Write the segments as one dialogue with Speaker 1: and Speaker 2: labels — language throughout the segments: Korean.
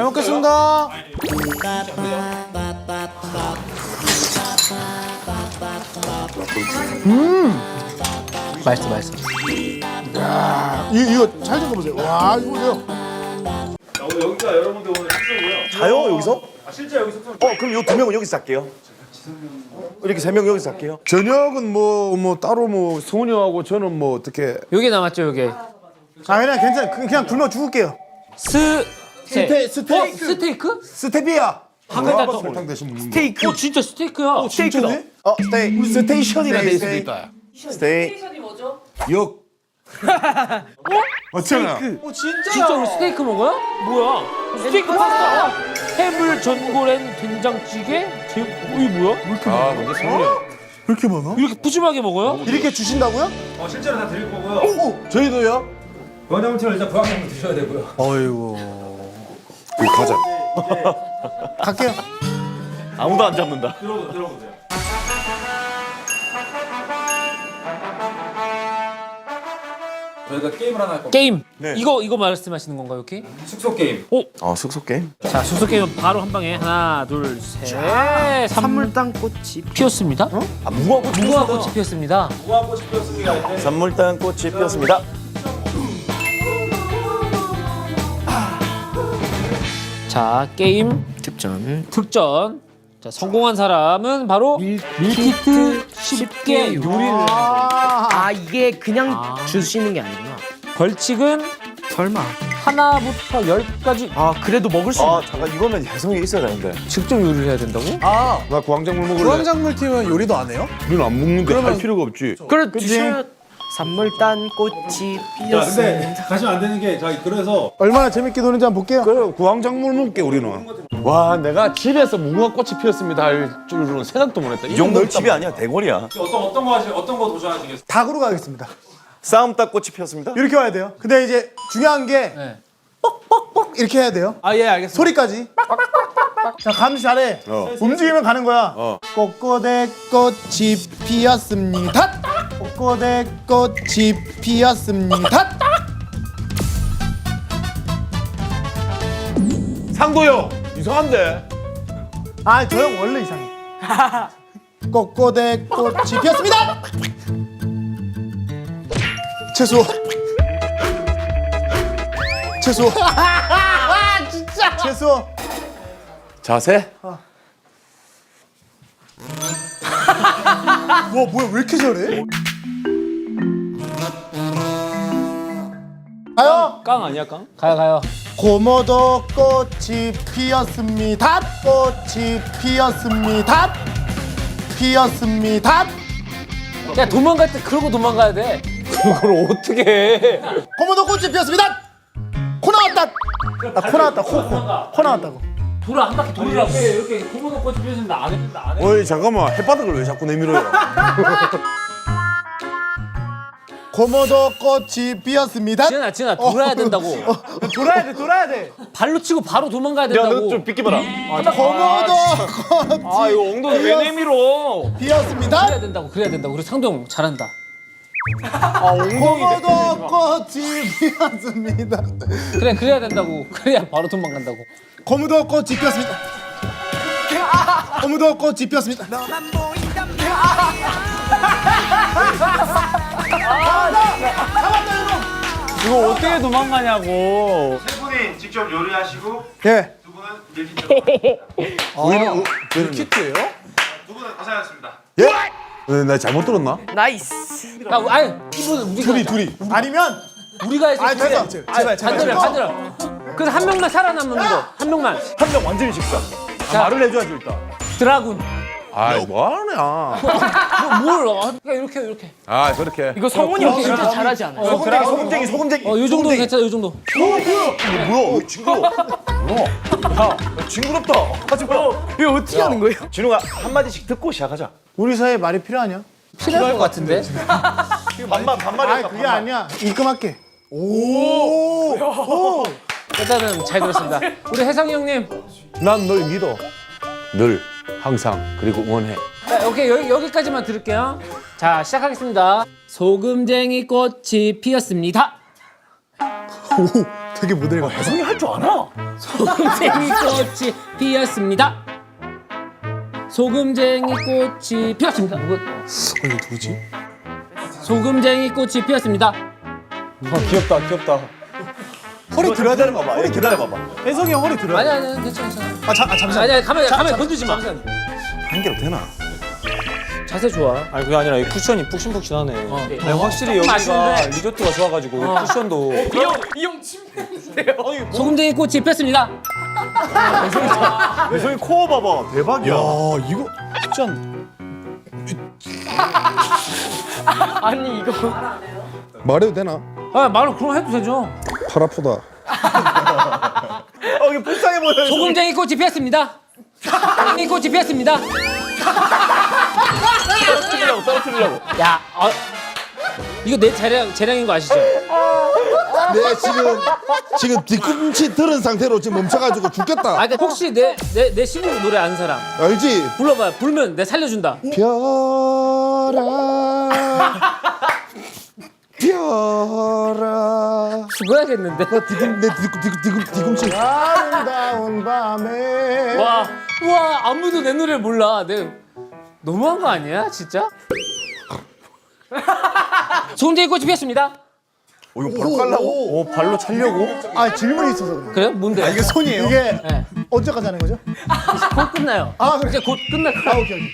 Speaker 1: 먹겠습니다.
Speaker 2: 맛있어, 맛있어.
Speaker 1: 이거 잘 좀 보세요. 와, 이거 보세요.
Speaker 3: 여기가 여러분들 오늘 숙소고요.
Speaker 4: 자요 여기서?
Speaker 3: 실제 여기 숙소.
Speaker 4: 그럼 요 2명은 여기서 잘게요. 이렇게 3명 여기서 잘게요.
Speaker 1: 저녁은 뭐 따로 뭐 성훈이 형하고 저는 뭐 어떻게?
Speaker 2: 요게 남았죠, 요게.
Speaker 1: 아 그냥 괜찮아. 그냥 굶어 죽을게요.
Speaker 2: 스테이크?
Speaker 1: 스테이크? 스테비아.
Speaker 2: 한글자 더.
Speaker 1: 설탕 대신 먹는 거.
Speaker 2: 스테이크. 진짜 스테이크야.
Speaker 1: 스테이크다.
Speaker 4: 스테이션이라 돼 있어.
Speaker 1: 있다.
Speaker 4: 스테이.
Speaker 1: 역. 어쩌나?
Speaker 2: 진짜 우리 스테이크 먹어요? 뭐야? 스테이크 파스타. 해물 전골엔 된장찌개? 이게 뭐야?
Speaker 1: 아, 근데 성훈이 형. 왜 이렇게 많아?
Speaker 2: 이렇게 푸짐하게 먹어요?
Speaker 1: 이렇게 주신다고요?
Speaker 3: 실제로 다 드릴 거고요.
Speaker 1: 저희도요?
Speaker 3: 부황작물처럼 일단 부황작물 드셔야 되고요.
Speaker 1: 어이구. 이거 가자. 갈게요.
Speaker 4: 아무도 안 잡는다.
Speaker 3: 들어보세요. 저희가 게임을 하나 할 겁니다.
Speaker 2: 게임.
Speaker 4: 네.
Speaker 2: 이거 말씀하시는 건가요, 이렇게?
Speaker 3: 숙소 게임.
Speaker 4: 숙소 게임?
Speaker 2: 자, 숙소 게임은 바로 한 방에 하나, 둘, 셋. 산물땅 꽃이 피었습니다. 무궁화꽃이 피었습니다.
Speaker 3: 무궁화꽃이 피었습니다.
Speaker 4: 산물단 꽃이 피었습니다.
Speaker 2: 자, 게임 특전. 자, 성공한 사람은 바로 밀키트 쉽게 요리를.
Speaker 5: 아 이게 그냥 주시는 게 아니구나.
Speaker 2: 벌칙은
Speaker 5: 설마.
Speaker 2: 하나부터 10까지
Speaker 5: 아 그래도 먹을 수 있는.
Speaker 4: 잠깐 이거면 혜성이 있어야 되는데.
Speaker 2: 직접 요리를 해야 된다고?
Speaker 1: 나 구황작물 먹을래. 구황작물 팀은 요리도 안 해요? 우리는 안 먹는데 할 필요가 없지.
Speaker 5: 그렇지. 산물단 꽃이
Speaker 3: 근데
Speaker 5: 피었습니다.
Speaker 3: 가시면 안 되는 게 그래서
Speaker 1: 얼마나 재밌게 노는지 한번 볼게요.
Speaker 6: 그래 구황작물 먹게 우리는. 와 내가 집에서 무궁화꽃이 피었습니다 할 줄은 생각도 못했다.
Speaker 4: 이 정도는 집이 아니야 대궐이야.
Speaker 3: 어떤 거 도전하시겠어요?
Speaker 1: 닭으로 가겠습니다.
Speaker 4: 싸움닭 꽃이 피었습니다.
Speaker 1: 이렇게 와야 돼요. 근데 이제 중요한 게
Speaker 2: 네.
Speaker 1: 뻑뻑뻑 이렇게 해야 돼요.
Speaker 2: 아, 예, 알겠습니다.
Speaker 1: 소리까지. 자, 감시 잘해. 움직이면 가는 거야. 꽃꽃의 꽃이 피었습니다. 꽃꽃의 꽃이 피었습니다.
Speaker 6: 상도요 이상한데.
Speaker 1: 아, 저 형 원래 이상해. 꽃꽃의 꽃이 피었습니다. 채소. 채소. 진짜. 채소.
Speaker 6: 자세?
Speaker 1: 와, 뭐야, 왜 이렇게 잘해? 가요.
Speaker 2: 깡 아니야, 깡? 가요.
Speaker 1: 고모도 꽃이 피었습니다. 꽃이 피었습니다. 피었습니다.
Speaker 2: 야, 도망갈 때 그러고 도망가야 돼.
Speaker 6: 그걸 어떻게 해?
Speaker 1: 고모도 꽃이 피었습니다. 코 나왔다. 코 나왔다. 코 나왔다고.
Speaker 2: 돌아, 한 바퀴 돌으라고. 이렇게 고무도 꽃이 피었는데 안 했는데 안 해.
Speaker 6: 어이 잠깐만 햇바닥을 왜 자꾸 내밀어요?
Speaker 1: 고모도 꽃이 피었습니다.
Speaker 2: 지은아, 돌아야 된다고.
Speaker 1: 돌아야 돼.
Speaker 2: 발로 치고 바로 도망가야 된다고.
Speaker 6: 야너좀 비켜봐라.
Speaker 1: 고모도 꽃이
Speaker 6: 이거 엉덩이 왜 내밀어?
Speaker 1: 피었습니다.
Speaker 2: 그래야 된다고. 그리고 상동 잘한다.
Speaker 1: 고모도 꽃이 피었습니다.
Speaker 2: 그래야 된다고. 그래야 바로 도망간다고.
Speaker 1: 고모도 꽃이 피었습니다. 고모도 꽃이 피었습니다.
Speaker 6: 이거 어떻게 도망가냐고.
Speaker 3: 세 분이 직접 요리하시고
Speaker 1: 예.
Speaker 3: 두 분은 밀키트.
Speaker 1: 밀키트예요?
Speaker 3: 두 분은 고생하셨습니다.
Speaker 6: 네, 나 잘못 들었나?
Speaker 5: 나이스.
Speaker 2: 야, 아니, 이분 우리가
Speaker 1: 아니면
Speaker 2: 우리가 해서
Speaker 1: 제발.
Speaker 2: 반대로. 그래서 한 명만 살아남는 거. 한 명만.
Speaker 4: 한 명 완전히 식사.
Speaker 6: 말을 해줘야지 일단.
Speaker 2: 드라군.
Speaker 6: 아이 뭐하냐?
Speaker 2: 그러니까 이렇게.
Speaker 6: 아 그렇게.
Speaker 5: 이거 성훈이 형 진짜 잘하지 않아요?
Speaker 4: 소금쟁이.
Speaker 2: 요 정도 괜찮아, 요 정도.
Speaker 4: 뭐야? 징그러워. 야, 징그럽다. 하지 마.
Speaker 5: 이거 어떻게 하는 거예요?
Speaker 4: 진우가 한 마디씩 듣고 시작하자.
Speaker 1: 우리 사이에 말이 필요하냐?
Speaker 2: 필요할 것 같은데.
Speaker 4: 반말이.
Speaker 1: 아니 그게 아니야. 입금할게. 오.
Speaker 2: 일단은 잘 들었습니다. 우리 혜성이 형님.
Speaker 6: 난 널 믿어. 늘 항상 그리고 응원해.
Speaker 2: 자, 오케이, 여기까지만 들을게요. 자, 시작하겠습니다. 소금쟁이 꽃이 피었습니다.
Speaker 1: 오, 되게 모델 같아.
Speaker 4: 혜성이 할 줄 아나?
Speaker 2: 소금쟁이 꽃이 피었습니다. 소금쟁이 꽃이 피었습니다.
Speaker 6: 이거 누구지?
Speaker 2: 소금쟁이 꽃이 피었습니다.
Speaker 6: 귀엽다.
Speaker 4: 허리 들어야 되는 거 봐. 허리 기다려봐봐. 혜성이 형 허리 들어야 돼.
Speaker 2: 아니 괜찮아.
Speaker 1: 잠시만.
Speaker 2: 아니 가만히 건들지 마.
Speaker 4: 한 개로 되나?
Speaker 2: 자세 좋아.
Speaker 6: 아니 그게 아니라 이 쿠션이 푹신푹신하네. 아니, 확실히 여기가
Speaker 2: 맛있는데?
Speaker 6: 리조트가 좋아가지고 쿠션도.
Speaker 2: 이형 침대인데요. 소금쟁이 꽃이 피었습니다.
Speaker 4: 혜성이 코어 봐봐. 대박이야.
Speaker 1: 이거 쉽지 않네.
Speaker 2: 아니 이거.
Speaker 7: 말해도 되나?
Speaker 2: 아 말로 그럼 해도 되죠.
Speaker 7: 팔 아프다.
Speaker 4: 이게 불쌍해 보여.
Speaker 2: 소금쟁이 꽃이 피었습니다. 소금쟁이 꽃이 피었습니다.
Speaker 4: 떨어뜨리려고.
Speaker 2: 야, 이거 내 재량인 거 아시죠?
Speaker 7: 내 지금 뒤꿈치 들은 상태로 지금 멈춰가지고 죽겠다.
Speaker 2: 그러니까 혹시 내 신곡 노래 아는 사람
Speaker 7: 알지?
Speaker 2: 불러봐요. 불면 내 살려준다.
Speaker 7: 별아 별아.
Speaker 2: 죽어야겠는데.
Speaker 7: 내 뒤꿈치.
Speaker 1: 아름다운 밤에.
Speaker 2: 와 아무도 내 노래를 몰라. 너무한 거 아니야, 진짜? 소금쟁이 꽃이 피었습니다.
Speaker 4: 이거 바로 깔라고?
Speaker 6: 발로 차려고?
Speaker 1: 질문이 있어서 그래.
Speaker 2: 그래요? 뭔데?
Speaker 1: 이게 손이에요? 이게
Speaker 2: 네.
Speaker 1: 언제까지 하는 거죠?
Speaker 2: 곧 끝나요.
Speaker 1: 그래.
Speaker 2: 이제 곧 끝날 거야.
Speaker 1: 오케이.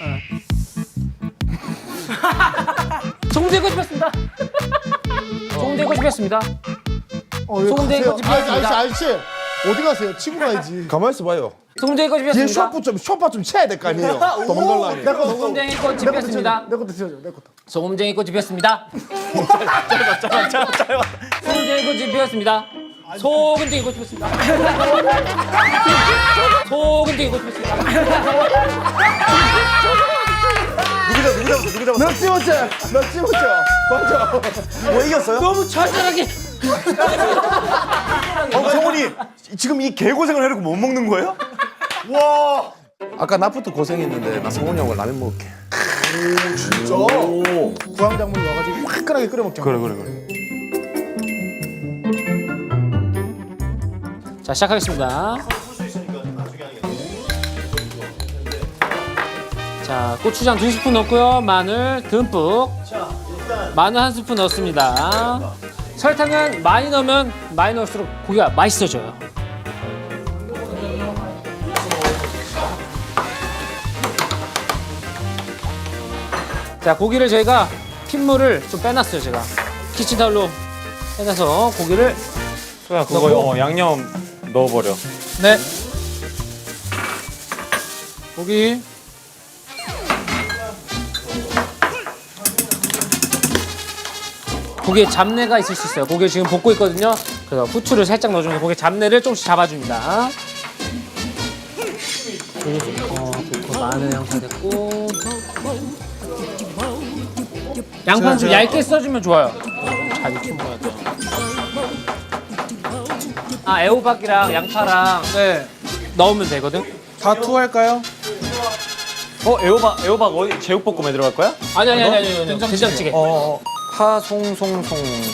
Speaker 2: 소금쟁이 꽃이 피었습니다. 소금쟁이 꽃이 피었습니다. 소금쟁이 꽃이 피었습니다.
Speaker 1: 아저씨 어디 가세요? 치고 가야지.
Speaker 7: 가만 있어 봐요.
Speaker 2: 소금쟁이 꽃이
Speaker 7: 뒤에
Speaker 2: 피었습니다.
Speaker 7: 쇼파 좀 쳐야 될 거 아니에요. 도망갈라니.
Speaker 2: 소금쟁이 꽃이 피었습니다.
Speaker 1: 내 것도 치워줘. 내 것도.
Speaker 2: 소금쟁이 꽃이 피었습니다. 소금쟁이 꽃이 피었습니다. 소금쟁이 꽃이 피었습니다. 소금쟁이 꽃이 피었습니다.
Speaker 4: 누구 잡았어?
Speaker 1: 몇 찍었죠? 맞아.
Speaker 4: 뭐 이겼어요?
Speaker 2: 너무 철저하게.
Speaker 4: 성훈이 지금 이 개고생을 해놓고 못 먹는 거예요? 와.
Speaker 7: 아까 나부터 고생했는데 나 성훈이 형을 라면 먹을게.
Speaker 1: 진짜? 구황작물 넣어가지고 화끈하게 끓여 먹자.
Speaker 4: 그래.
Speaker 2: 자 시작하겠습니다. 자 고추장 2스푼 넣고요. 마늘 듬뿍. 마늘 1스푼 넣습니다. 설탕은 많이 넣으면 많이 넣을수록 고기가 맛있어져요. 자 고기를 저희가 핏물을 좀 빼놨어요. 제가 키친타올로 빼놔서 고기를
Speaker 6: 소야 그거 양념 넣어버려.
Speaker 2: 네 고기 고기에 잡내가 있을 수 있어요. 고기를 지금 볶고 있거든요. 그래서 후추를 살짝 넣어주면서 고기 잡내를 조금씩 잡아줍니다. 좋고 마늘 양파 됐고 양파는 좀 얇게 써주면 좋아요. 잘 익힌 거야. 애호박이랑 양파랑 넣으면 되거든.
Speaker 1: 다 투할까요?
Speaker 6: 애호박 어디 제육볶음에 들어갈 거야?
Speaker 2: 아니 된장찌개.
Speaker 6: 파송송송.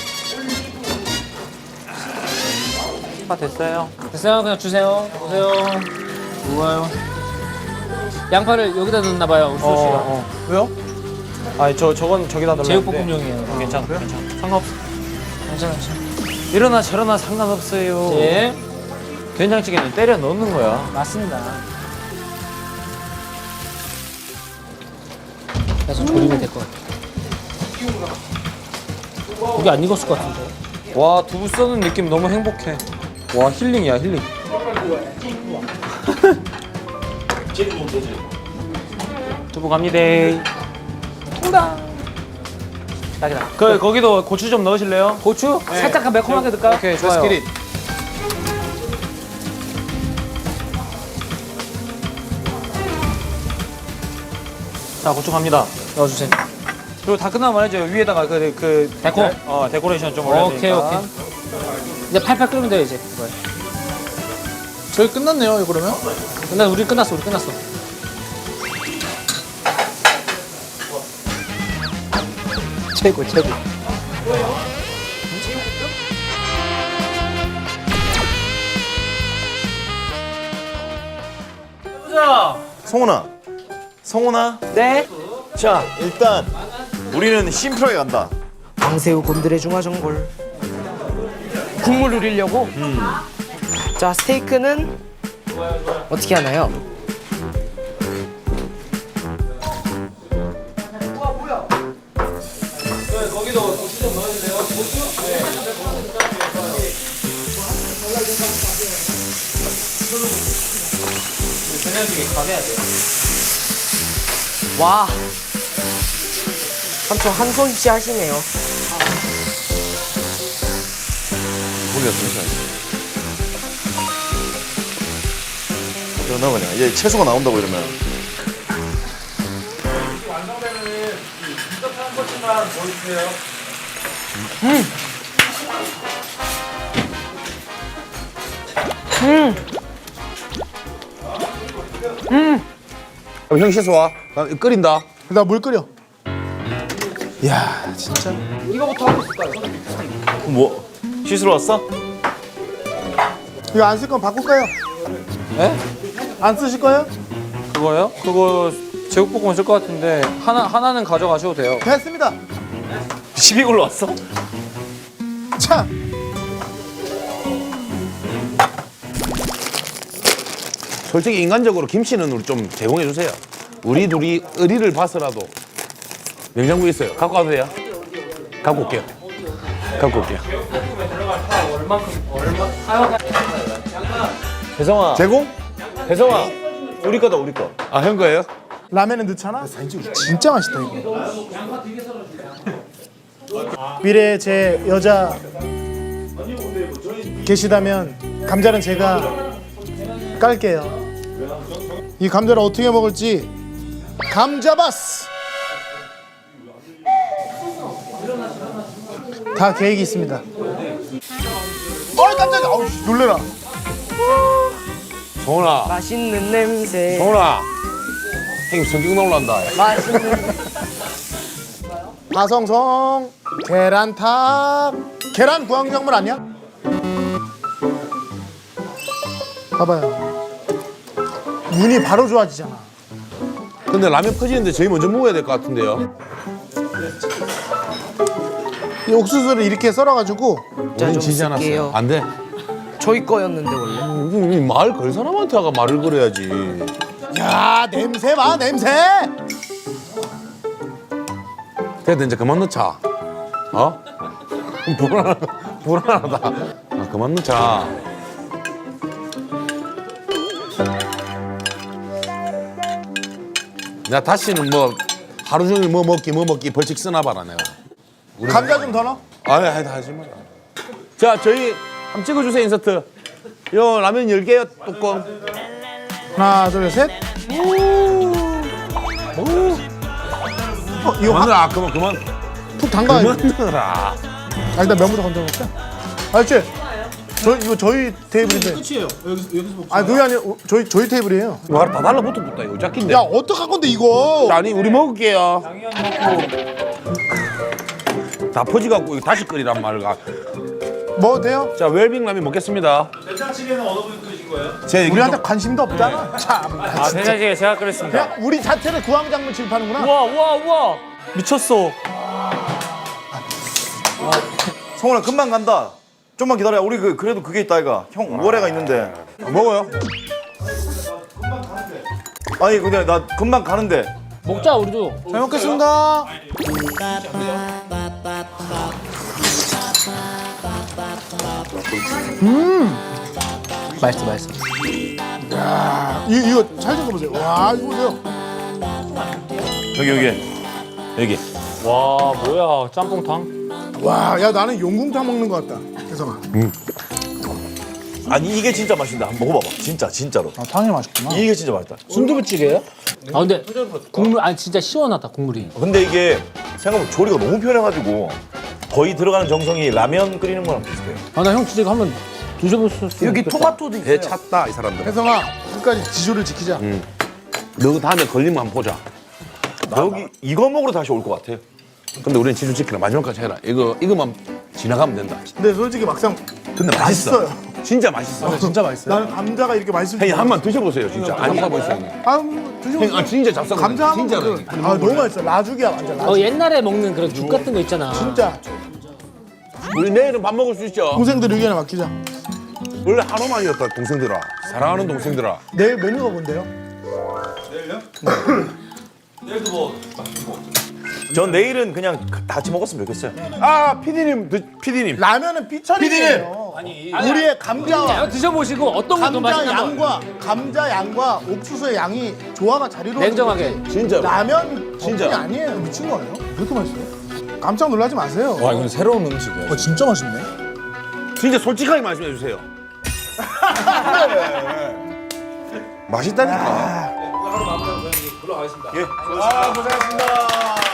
Speaker 6: 됐어요.
Speaker 2: 됐어요. 그냥 주세요. 보세요. 좋아요. 양파를 여기다 넣나 봐요. 우수 씨가.
Speaker 6: 왜요? 아니 저건 저기다 넣으면
Speaker 2: 제육볶음용이에요.
Speaker 6: 괜찮아. 상관없어.
Speaker 2: 괜찮아.
Speaker 6: 이러나 저러나 상관없어요.
Speaker 2: 예,
Speaker 6: 된장찌개는 때려 넣는 거야.
Speaker 2: 맞습니다. 그래서 조리면 될 것 같아. 고기 안 익었을 것 같은데.
Speaker 6: 와 두부 써는 느낌 너무 행복해. 와 힐링이야 힐링. 두부 갑니다. 딱이다. 거기도 고추 좀 넣으실래요?
Speaker 2: 고추? 살짝 매콤하게 넣을까요?
Speaker 6: 오케이 좋아요. 자 고추 갑니다.
Speaker 2: 넣어주세요.
Speaker 6: 그리고 다 끝나면 말이죠. 위에다가 그
Speaker 2: 데코?
Speaker 6: 데코레이션 좀 올려야
Speaker 2: 오케이
Speaker 6: 되니까.
Speaker 2: 오케이. 이제 팔팔 끓으면 돼요 이제.
Speaker 1: 저희 끝났네요. 그러면?
Speaker 2: 우리 끝났어. 최고.
Speaker 4: 성훈아.
Speaker 5: 네.
Speaker 4: 자, 일단 우리는 심플하게 간다.
Speaker 5: 방새우 곤드레 중화전골. 국물 우리려고. 자, 스테이크는 어떻게 하나요? 와, 삼촌 한 손씩 하시네요.
Speaker 6: 고기가 잠시만요.
Speaker 4: 그러나 그냥 얘 채소가 나온다고 이러면.
Speaker 6: 그럼 형 씻어 와. 나 끓인다.
Speaker 1: 나 물 끓여. 야 진짜.
Speaker 4: 뭐 씻으러 왔어?
Speaker 1: 이거 안 쓸 건 바꿀까요?
Speaker 8: 네?
Speaker 1: 안 쓰실 거예요?
Speaker 8: 그거요? 그거 제육볶음 쓸 것 같은데 하나는 가져가셔도 돼요.
Speaker 1: 됐습니다.
Speaker 4: 시비 걸러 왔어?
Speaker 1: 자,
Speaker 6: 솔직히 인간적으로 김치는 우리 좀 제공해 주세요. 우리 둘이 의리를 봐서라도 냉장고 있어요. 갖고 와도 돼요? 갖고 올게요. 갖고 올게요.
Speaker 4: 대성아.
Speaker 6: 제공?
Speaker 4: 대성아. 우리 거다 우리 거.
Speaker 6: 아, 형 거예요?
Speaker 1: 라면은 넣잖아. 진짜 맛있다 이거. 미래에 제 여자 계시다면 감자는 제가 깔게요. 이 감자를 어떻게 먹을지 감자바스. 다 계획이 있습니다. 어이 깜짝이야. 아우 놀래라.
Speaker 6: 정훈아,
Speaker 5: 맛있는 냄새.
Speaker 6: 정훈아. 형님 성격 나올란다.
Speaker 5: 맛있는.
Speaker 1: 가성성 계란탑. 계란 구황작물 아니야? 봐봐요. 눈이 바로 좋아지잖아.
Speaker 6: 근데 라면 퍼지는데 저희 먼저 먹어야 될 것 같은데요.
Speaker 1: 이 옥수수를 이렇게 썰어가지고
Speaker 5: 자,
Speaker 6: 우린
Speaker 5: 좀
Speaker 6: 지지 않았어요.
Speaker 5: 쓸게요.
Speaker 6: 안 돼.
Speaker 5: 저희 거였는데 원래.
Speaker 6: 말 걸 사람한테 아가 말을 걸어야지.
Speaker 1: 야 냄새 봐 냄새.
Speaker 6: 그래도 이제 그만 넣자. 어? 불안하다. 아, 그만 넣자. 나 다시는 뭐 하루 종일 뭐 먹기 벌칙 쓰나 봐라 내가.
Speaker 1: 감자 좀 더 넣어.
Speaker 6: 아니 하지 마. 자 저희 한번 찍어주세요 인서트. 요 라면 10개요 뚜껑.
Speaker 1: 하나 둘 셋. 이거
Speaker 6: 그만 넣어라. 그만
Speaker 1: 푹 담가.
Speaker 6: 그만 넣어라.
Speaker 1: 아 일단 면부터 건져 먹자. 알지? 이거 저희 테이블인데. 끝이에요. 여기서 먹자. 아 그게 아니라 저희 테이블이에요.
Speaker 6: 이거 다 달라붙었다 이거 짝긴데.
Speaker 1: 야 어떡할 건데 이거?
Speaker 6: 아니 우리 먹을게요. 다 퍼지갖고 이거 다시 끓이란 말가.
Speaker 1: 뭐 돼요?
Speaker 6: 자 웰빙 라면 먹겠습니다.
Speaker 3: 된장찌개는 어느 분이 끓이신 거예요?
Speaker 6: 제 얘기
Speaker 1: 우리한테 관심도 없잖아. 참.
Speaker 8: 아, 된장찌개 제가 끓였습니다.
Speaker 1: 그냥 우리 자체를 구황작물 취급하는구나.
Speaker 8: 우와. 미쳤어.
Speaker 4: 성훈아 금방 간다. 좀만 기다려. 우리 그래도 그게 있다 이가. 형 5월에가 있는데.
Speaker 6: 먹어요.
Speaker 4: 아니 근데 나 금방 가는데.
Speaker 2: 먹자 우리도.
Speaker 1: 잘 먹겠습니다.
Speaker 2: 맛있어.
Speaker 1: 이거 잘 적어보세요. 와 이거 보세요.
Speaker 4: 여기.
Speaker 8: 와, 뭐야. 짬뽕탕?
Speaker 1: 와, 야 나는 용궁탕 먹는 것 같다. 혜성아.
Speaker 4: 아니 이게 진짜 맛있다. 한번 먹어봐봐. 진짜로.
Speaker 1: 아 탕이 맛있구나.
Speaker 4: 이게 진짜 맛있다.
Speaker 2: 순두부찌개예요? 아 근데 국물 아니 진짜 시원하다 국물이.
Speaker 4: 근데 이게 생각보다 조리가 너무 편해가지고 거의 들어가는 정성이 라면 끓이는 거랑 비슷해요.
Speaker 2: 아 나 형 진짜 이거 한번 드셔봤을 수
Speaker 5: 여기
Speaker 2: 있겠다.
Speaker 5: 토마토도 있어요.
Speaker 6: 배 찼다 이 사람들.
Speaker 1: 혜성아 끝까지 지조를 지키자.
Speaker 6: 너 다음에 걸리면 한번 보자.
Speaker 4: 여기 이거 먹으러 다시 올 것 같아요.
Speaker 6: 근데 우리는 지주 지키라 마지막까지 해라. 이거만 지나가면 된다.
Speaker 1: 근데 솔직히 막상
Speaker 6: 근데 맛있어.
Speaker 1: 맛있어요.
Speaker 6: 진짜 맛있어.
Speaker 1: 진짜 맛있어요. 나는 감자가 이렇게 맛있을
Speaker 6: 형님
Speaker 1: 줄
Speaker 6: 한번 드셔보세요 진짜. 아니
Speaker 8: 보세요.
Speaker 1: 드셔보세요.
Speaker 6: 아 진짜 잡숴.
Speaker 1: 감자
Speaker 6: 진짜.
Speaker 1: 한번 아 너무 맛있어. 라죽이야 완전 라죽.
Speaker 2: 옛날에 먹는 그런 죽 같은 거 있잖아.
Speaker 1: 진짜
Speaker 6: 우리 내일은 밥 먹을 수 있죠.
Speaker 1: 동생들 의견에 맡기자.
Speaker 6: 원래 한우만이었다 동생들아. 사랑하는 동생들아.
Speaker 1: 내일 메뉴가 뭔데요?
Speaker 3: 내일도 뭐
Speaker 4: 전 내일은 그냥 다 같이 먹었으면 좋겠어요.
Speaker 6: 아 피디님
Speaker 1: 라면은 삐처리예요. 우리의 감자와
Speaker 2: 드셔보시고 어떤 게 더 맛있나 한번.
Speaker 1: 감자 양과 옥수수의 양이 조화가 잘 이루어져.
Speaker 2: 냉정하게.
Speaker 6: 진짜.
Speaker 1: 라면
Speaker 6: 진짜.
Speaker 1: 덕분이 아니에요. 미친 거예요? 왜 이렇게 맛있어요? 깜짝 놀라지 마세요.
Speaker 8: 와 이건 새로운 음식이야.
Speaker 1: 진짜 맛있네.
Speaker 6: 진짜 솔직하게 말씀해 주세요.
Speaker 7: 맛있다니까.
Speaker 3: 하루 마무리하고 저희 이제 불러가겠습니다.
Speaker 4: 예.
Speaker 1: 고생하셨습니다.